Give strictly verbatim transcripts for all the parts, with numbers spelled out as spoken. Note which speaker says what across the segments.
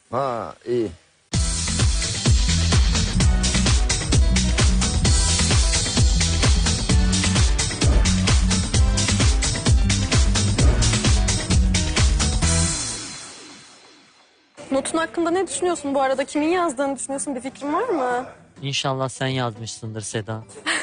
Speaker 1: Ha iyi.
Speaker 2: Notun hakkında ne düşünüyorsun bu arada? Kimin yazdığını düşünüyorsun? Bir fikrin var mı?
Speaker 3: İnşallah sen yazmışsındır Seda.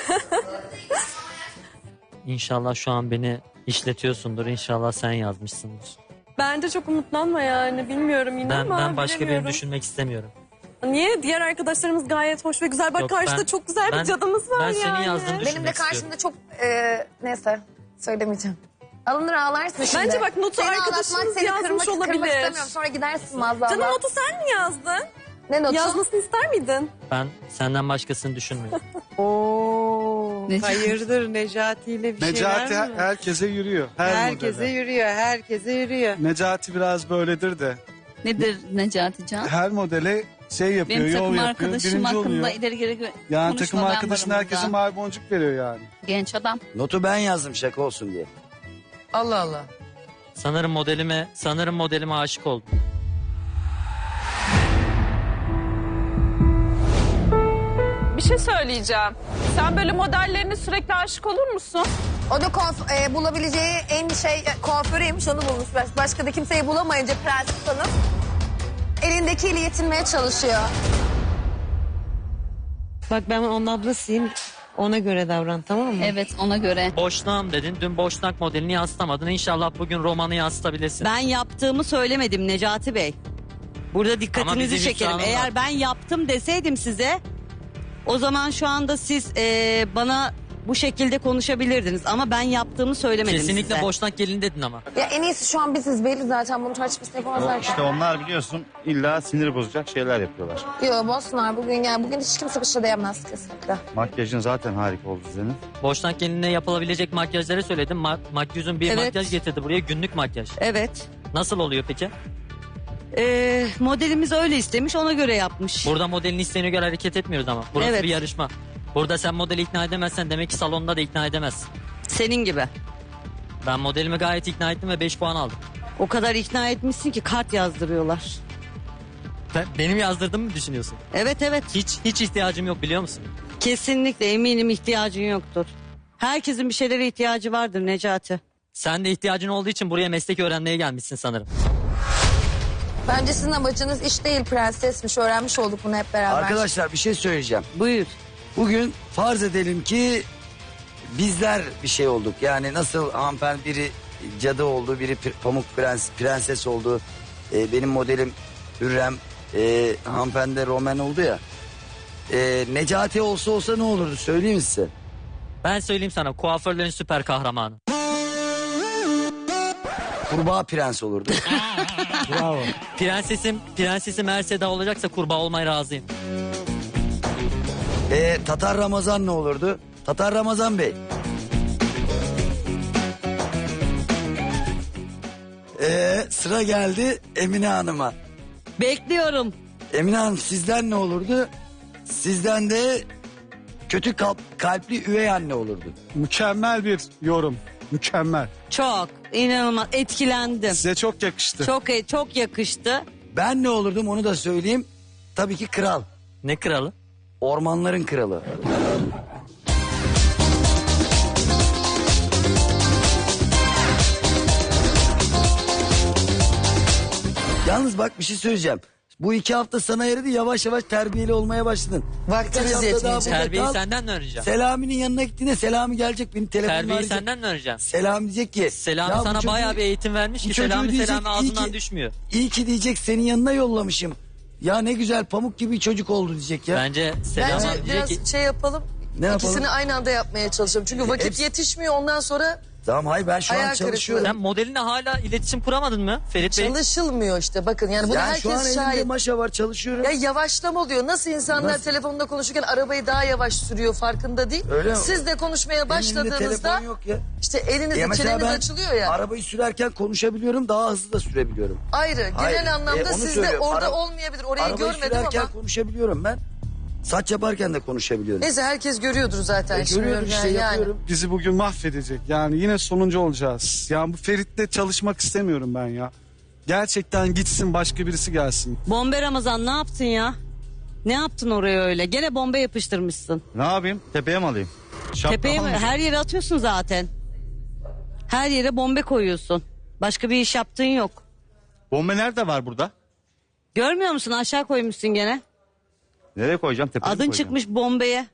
Speaker 3: İnşallah şu an beni işletiyorsundur. İnşallah sen yazmışsındır.
Speaker 2: Bence çok umutlanma yani. Bilmiyorum yine
Speaker 3: Ben,
Speaker 2: ama
Speaker 3: ben başka birini
Speaker 2: bilemiyorum.
Speaker 3: düşünmek istemiyorum.
Speaker 2: Niye? Diğer arkadaşlarımız gayet hoş ve güzel. Bak
Speaker 3: Yok,
Speaker 2: karşıda
Speaker 3: ben-
Speaker 2: çok güzel
Speaker 3: ben-
Speaker 2: bir cadımız var
Speaker 3: ben
Speaker 2: yani.
Speaker 3: senin yazdığını
Speaker 4: Benim de
Speaker 3: düşünmek
Speaker 4: karşımda
Speaker 3: istiyorum.
Speaker 4: çok e, neyse söylemeyeceğim. Alınır ağlarsın şimdi.
Speaker 2: Bence bak notu
Speaker 4: Seni
Speaker 2: arkadaşımız
Speaker 4: ağlatmak, seni
Speaker 2: yazmış
Speaker 4: kırmak, kırmak
Speaker 2: olabilir.
Speaker 4: istemiyorum. Sonra gidersin maazallah.
Speaker 2: Canım notu sen mi yazdın?
Speaker 4: Ne notu?
Speaker 2: Yazmasını ister miydin?
Speaker 3: Ben senden başkasını düşünmüyorum.
Speaker 5: Oo,
Speaker 6: Necati.
Speaker 5: hayırdır Necati ile bir
Speaker 7: Necati
Speaker 5: şeyler
Speaker 7: her-
Speaker 5: mi?
Speaker 7: herkese yürüyor. Her
Speaker 5: Herkese
Speaker 7: modele.
Speaker 5: yürüyor, herkese yürüyor.
Speaker 7: Necati biraz böyledir de.
Speaker 6: Nedir Necati Can?
Speaker 7: Her modele şey yapıyor,
Speaker 6: Benim
Speaker 7: yol
Speaker 6: takım
Speaker 7: yapıyor,
Speaker 6: arkadaşım
Speaker 7: birinci
Speaker 6: hakkında
Speaker 7: oluyor.
Speaker 6: ileri geri gö-
Speaker 7: Yani
Speaker 6: konuşma,
Speaker 7: takım
Speaker 6: ben
Speaker 7: arkadaşın
Speaker 6: varım
Speaker 7: herkese
Speaker 6: burada.
Speaker 7: mavi boncuk veriyor yani.
Speaker 6: Genç adam.
Speaker 1: Notu ben yazdım şaka olsun diye.
Speaker 5: Allah Allah.
Speaker 3: Sanırım modelime, sanırım modelime aşık oldum.
Speaker 8: Bir şey söyleyeceğim. Sen böyle modellerine sürekli aşık olur musun?
Speaker 4: O da kuaf- e, bulabileceği en şey e, kuaförüymüş onu bulmuş. Baş- Başka da kimseyi bulamayınca Prens Hanım elindekiyle yetinmeye çalışıyor.
Speaker 5: Bak ben onun ablasıyım. Ona göre davran, tamam mı?
Speaker 6: Evet, ona göre.
Speaker 3: Boşnağım dedin. Dün boşnak modelini yansıtamadın. İnşallah bugün romanı yansıtabilirsin.
Speaker 9: Ben yaptığımı söylemedim Necati Bey. Burada
Speaker 3: Ama
Speaker 9: dikkatinizi
Speaker 3: bizim
Speaker 9: çekerim.
Speaker 3: iddiamız
Speaker 9: Eğer
Speaker 3: var.
Speaker 9: ben yaptım deseydim size, o zaman şu anda siz eee, bana bu şekilde konuşabilirdiniz. Ama ben yaptığımı söylemedim
Speaker 3: Kesinlikle
Speaker 9: size.
Speaker 3: boşnak gelin dedin ama.
Speaker 4: Ya en iyisi şu an biziz belli zaten bunu tartışmasını yapamazlar ki.
Speaker 10: İşte onlar biliyorsun illa sinir bozacak şeyler yapıyorlar.
Speaker 4: Yok bozsunlar bugün yani bugün hiç kimse bir şey diyemez kesinlikle.
Speaker 10: Makyajın zaten harika oldu senin.
Speaker 3: Boşnak gelinine yapılabilecek makyajları söyledim. Ma makyözün bir
Speaker 9: Evet.
Speaker 3: makyaj getirdi buraya. Günlük makyaj.
Speaker 9: Evet.
Speaker 3: Nasıl oluyor peki?
Speaker 9: Eee, modelimiz öyle istemiş, ona göre yapmış.
Speaker 3: Burada modelin isteğine göre hareket etmiyoruz ama. Burası
Speaker 9: Evet.
Speaker 3: bir yarışma. Burada sen modeli ikna edemezsen demek ki salonda da ikna edemezsin.
Speaker 9: Senin gibi.
Speaker 3: Ben modelimi gayet ikna ettim ve beş puan aldım.
Speaker 9: O kadar ikna etmişsin ki kart yazdırıyorlar.
Speaker 3: Ben, benim yazdırdığımı mı düşünüyorsun?
Speaker 9: Evet evet.
Speaker 3: Hiç hiç ihtiyacım yok biliyor musun?
Speaker 9: Kesinlikle eminim ihtiyacın yoktur. Herkesin bir şeylere ihtiyacı vardır Necati.
Speaker 3: Sen de ihtiyacın olduğu için buraya meslek öğrenmeye gelmişsin sanırım.
Speaker 4: Bence sizin amacınız iş değil prensesmiş öğrenmiş olduk bunu hep beraber.
Speaker 1: Arkadaşlar bir şey söyleyeceğim.
Speaker 9: Buyur.
Speaker 1: Bugün farz edelim ki bizler bir şey olduk. Yani nasıl hanımefendi biri cadı oldu, biri pir- pamuk prens, prenses oldu. Ee, benim modelim Hürrem, e, hanımefendi de Roman oldu ya. Ee, Necati olsa olsa ne olurdu söyleyeyim mi size?
Speaker 3: Ben söyleyeyim sana, kuaförlerin süper kahramanı.
Speaker 1: Kurbağa prens olurdu.
Speaker 7: Bravo.
Speaker 3: Prensesim, prensesim eğer Seda olacaksa kurbağa olmaya razıyım.
Speaker 1: Ee, Tatar Ramazan ne olurdu? Tatar Ramazan Bey. Ee, sıra geldi Emine Hanım'a.
Speaker 9: Bekliyorum.
Speaker 1: Emine Hanım sizden ne olurdu? Sizden de kötü kalp, kalpli üvey anne olurdu.
Speaker 7: Mükemmel bir yorum. Mükemmel.
Speaker 9: Çok inanılmaz etkilendim.
Speaker 7: Size çok yakıştı.
Speaker 9: Çok çok yakıştı.
Speaker 1: Ben ne olurdum onu da söyleyeyim. Tabii ki kral.
Speaker 3: Ne kralı?
Speaker 1: Ormanların kralı. Yalnız bak bir şey söyleyeceğim. Bu iki hafta sana yaradı, yavaş yavaş terbiyeli olmaya başladın.
Speaker 5: Vaktimiz
Speaker 1: Birkaç hafta
Speaker 5: yetmeyecek.
Speaker 1: daha burada
Speaker 3: Terbiyeyi
Speaker 1: kal.
Speaker 3: senden mi öğreneceğim?
Speaker 1: Selami'nin yanına gittiğinde Selami gelecek benim telefonla
Speaker 3: Terbiyeyi
Speaker 1: arayacak.
Speaker 3: senden mi öğreneceğim?
Speaker 1: Selami diyecek ki.
Speaker 3: Selami
Speaker 1: "Ya bu
Speaker 3: sana
Speaker 1: çocuğu-
Speaker 3: bayağı bir eğitim vermiş
Speaker 1: bu
Speaker 3: ki
Speaker 1: çocuğu
Speaker 3: Selami
Speaker 1: diyecek,
Speaker 3: Selami
Speaker 1: iyi
Speaker 3: ağzından
Speaker 1: ki-
Speaker 3: düşmüyor.
Speaker 1: İyi ki diyecek senin yanına yollamışım. Ya ne güzel pamuk gibi çocuk oldu diyecek ya.
Speaker 3: Bence Selami
Speaker 11: Bence
Speaker 3: diyecek
Speaker 11: biraz
Speaker 3: ki
Speaker 11: şey yapalım.
Speaker 1: Ne yapalım?
Speaker 11: İkisini aynı anda yapmaya çalışalım. Çünkü vakit
Speaker 1: Hepsi-
Speaker 11: yetişmiyor ondan sonra
Speaker 1: Tamam hayır ben şu an
Speaker 11: Ayağı
Speaker 1: çalışıyorum.
Speaker 3: sen modelinle hala iletişim kuramadın mı Ferit Bey?
Speaker 11: çalışılmıyor işte bakın. Yani bunu
Speaker 1: Yani şu an
Speaker 11: herkes
Speaker 1: elimde
Speaker 11: şahit.
Speaker 1: maşa var çalışıyorum.
Speaker 11: Ya yavaşlama oluyor. Nasıl insanlar
Speaker 1: Nasıl?
Speaker 11: telefonda konuşurken arabayı daha yavaş sürüyor farkında değil.
Speaker 1: Öyle mi?
Speaker 11: Siz de konuşmaya
Speaker 1: Benim elimde
Speaker 11: başladığınızda
Speaker 1: telefon yok ya.
Speaker 11: işte elinizde
Speaker 1: Ya mesela
Speaker 11: çeneniz
Speaker 1: ben
Speaker 11: açılıyor ya.
Speaker 1: arabayı sürerken konuşabiliyorum, daha hızlı da sürebiliyorum.
Speaker 11: Ayrı. Genel
Speaker 1: Hayır,
Speaker 11: anlamda
Speaker 1: e, onu
Speaker 11: sizde
Speaker 1: söylüyorum.
Speaker 11: orada
Speaker 1: Ara-
Speaker 11: olmayabilir. Orayı
Speaker 1: Arabayı
Speaker 11: görmedim
Speaker 1: sürerken
Speaker 11: ama.
Speaker 1: konuşabiliyorum ben. Saç yaparken de konuşabiliyorum.
Speaker 11: Neyse herkes görüyordur zaten.
Speaker 1: E,
Speaker 11: şimdi
Speaker 1: görüyorum işte
Speaker 11: yani.
Speaker 1: yapıyorum.
Speaker 7: Bizi bugün mahvedecek. Yani yine sonuncu olacağız. Yani bu Ferit'le çalışmak istemiyorum ben ya. Gerçekten gitsin, başka birisi gelsin.
Speaker 9: Bombe Ramazan ne yaptın ya? Ne yaptın oraya öyle? Gene bombe yapıştırmışsın.
Speaker 10: Ne yapayım? Tepeye mi alayım? Şapka
Speaker 9: Tepeye mi?
Speaker 10: mı?
Speaker 9: Her yere atıyorsun zaten. Her yere bombe koyuyorsun. Başka bir iş yaptığın yok.
Speaker 10: Bombe nerede var burada?
Speaker 9: Görmüyor musun? Aşağı koymuşsun gene.
Speaker 10: Nereye koyacağım? Tepeye mi
Speaker 9: Adın
Speaker 10: koyacağım?
Speaker 9: çıkmış bombeye.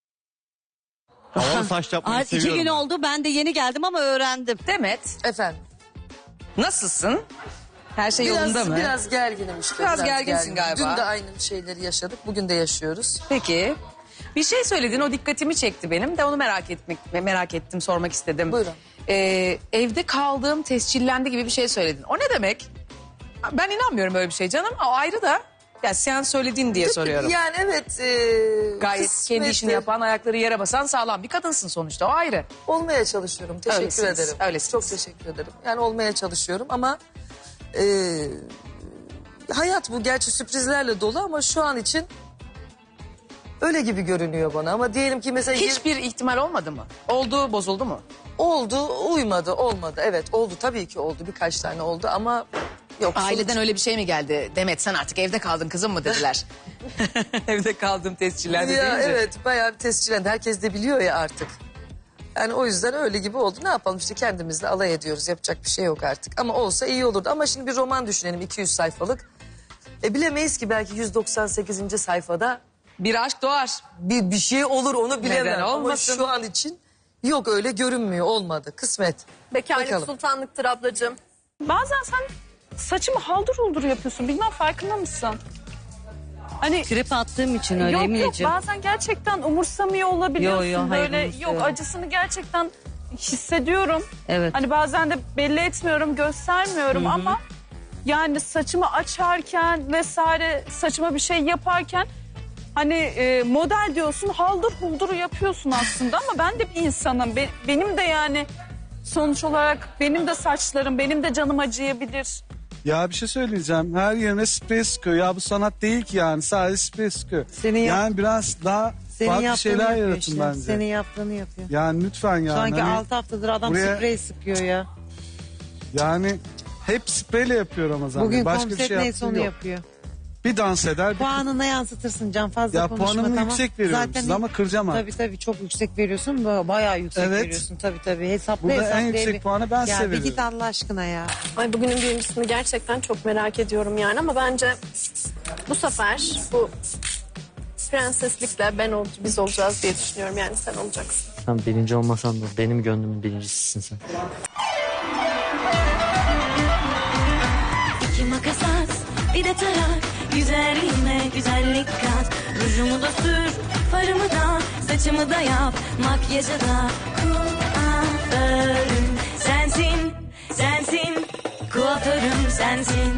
Speaker 10: Havalı saç yapmayı
Speaker 9: Artık iki
Speaker 10: seviyorum
Speaker 9: gün
Speaker 10: ben.
Speaker 9: oldu. Ben de yeni geldim ama öğrendim.
Speaker 12: Demet,
Speaker 11: Efendim.
Speaker 12: nasılsın? Her şey
Speaker 11: Biraz,
Speaker 12: yolunda mı?
Speaker 11: biraz gerginim işte.
Speaker 12: Biraz gerginsin
Speaker 11: gerginim.
Speaker 12: galiba.
Speaker 11: Dün de aynı şeyleri yaşadık. Bugün de yaşıyoruz.
Speaker 12: Peki. Bir şey söyledin, o dikkatimi çekti benim de onu merak etmek merak ettim, sormak istedim.
Speaker 11: Buyurun.
Speaker 12: Ee, evde kaldığım tescillendi gibi bir şey söyledin. O ne demek? Ben inanmıyorum öyle bir şey canım. O ayrı da. Ya sen söyledin diye soruyorum.
Speaker 11: Yani evet. E,
Speaker 12: Gayet
Speaker 11: kısmeti
Speaker 12: kendi işini yapan, ayakları yere basan sağlam bir kadınsın sonuçta. O ayrı.
Speaker 11: Olmaya çalışıyorum. Teşekkür
Speaker 12: Öylesiniz,
Speaker 11: ederim.
Speaker 12: öylesiniz.
Speaker 11: Çok teşekkür ederim. Yani olmaya çalışıyorum ama e, hayat bu gerçi sürprizlerle dolu ama şu an için öyle gibi görünüyor bana. Ama diyelim ki mesela
Speaker 12: Hiçbir ihtimal olmadı mı? Oldu, bozuldu mu?
Speaker 11: oldu, uymadı, olmadı. Evet oldu tabii ki oldu. Birkaç tane oldu ama yok.
Speaker 12: Aileden
Speaker 11: sonuç-
Speaker 12: öyle bir şey mi geldi? Demet sen artık evde kaldın kızım mı dediler. Evde kaldım tescillendi
Speaker 11: Ya
Speaker 12: deyince.
Speaker 11: evet bayağı bir tescillendi. Herkes de biliyor ya artık. Yani o yüzden öyle gibi oldu. Ne yapalım işte kendimizle alay ediyoruz. Yapacak bir şey yok artık. Ama olsa iyi olurdu. Ama şimdi bir roman düşünelim iki yüz sayfalık. E bilemeyiz ki belki yüz doksan sekizinci sayfada
Speaker 12: Bir aşk doğar.
Speaker 11: bir, bir şey olur onu bilemem.
Speaker 12: Neden
Speaker 11: Ama
Speaker 12: olmasın?
Speaker 11: şu an için yok öyle görünmüyor. Olmadı. Kısmet.
Speaker 2: Bekarlık
Speaker 11: Bakalım.
Speaker 2: sultanlıktır ablacığım.
Speaker 8: Bazen sen saçımı haldır huldur yapıyorsun. Bilmem farkında mısın? Hani
Speaker 9: Trip attığım için öyle
Speaker 8: yok yok
Speaker 9: Emineciğim.
Speaker 8: bazen gerçekten umursamıyor olabiliyorsun.
Speaker 9: Yo, yo, hayır,
Speaker 8: Böyle
Speaker 9: umursuyorum.
Speaker 8: yok acısını gerçekten hissediyorum.
Speaker 9: Evet.
Speaker 8: Hani bazen de belli etmiyorum, göstermiyorum ama yani saçımı açarken vesaire saçıma bir şey yaparken hani e, model diyorsun haldır huldur yapıyorsun aslında ama ben de bir insanım. Be- benim de yani sonuç olarak benim de saçlarım, benim de canım acıyabilir.
Speaker 7: Ya bir şey söyleyeceğim. Her yerine sprey sıkıyor. Ya bu sanat değil ki yani. Sadece sprey sıkıyor.
Speaker 5: Senin yap-
Speaker 7: yani biraz daha
Speaker 5: Senin
Speaker 7: farklı
Speaker 5: yaptığını
Speaker 7: şeyler
Speaker 5: yapıyor
Speaker 7: yaratın
Speaker 5: işte.
Speaker 7: bence.
Speaker 5: Senin yaptığını yapıyor.
Speaker 7: Yani lütfen yani.
Speaker 5: Sanki
Speaker 7: Hani
Speaker 5: altı haftadır adam
Speaker 7: buraya-
Speaker 5: sprey sıkıyor ya.
Speaker 7: Yani hep spreyle yapıyor Ramazan.
Speaker 5: Bugün
Speaker 7: Bey. Başka bir
Speaker 5: konsept
Speaker 7: şey
Speaker 5: neyse
Speaker 7: yaptığı
Speaker 5: onu
Speaker 7: yok.
Speaker 5: yapıyor.
Speaker 7: Bir dans eder. Bir...
Speaker 5: Puanına yansıtırsın Can, fazla
Speaker 7: Ya
Speaker 5: konuşma
Speaker 7: puanımı
Speaker 5: tamam.
Speaker 7: yüksek veriyorum
Speaker 5: Zaten
Speaker 7: size ama kıracağım artık.
Speaker 5: Tabii tabii çok yüksek veriyorsun. ba- Bayağı yüksek
Speaker 7: Evet.
Speaker 5: veriyorsun tabii tabii. Hesapla
Speaker 7: Burada en
Speaker 5: hesapla.
Speaker 7: yüksek
Speaker 5: bir-
Speaker 7: puanı ben
Speaker 5: ya
Speaker 7: size
Speaker 5: bir git
Speaker 7: veriyorum.
Speaker 5: Allah aşkına ya.
Speaker 2: Ay bugünün birincisini gerçekten çok merak ediyorum yani ama bence bu sefer bu prenseslikle ben ol, biz olacağız diye düşünüyorum yani sen olacaksın.
Speaker 3: Sen birinci olmasan da benim gönlümün birincisisin sen.
Speaker 13: İki makas at, bir de tarak. Üzerine güzellik kat. Rujumu da sür, farımı da, saçımı da yap. Makyajı da kuaförüm sensin, sensin. Kuaförüm sensin.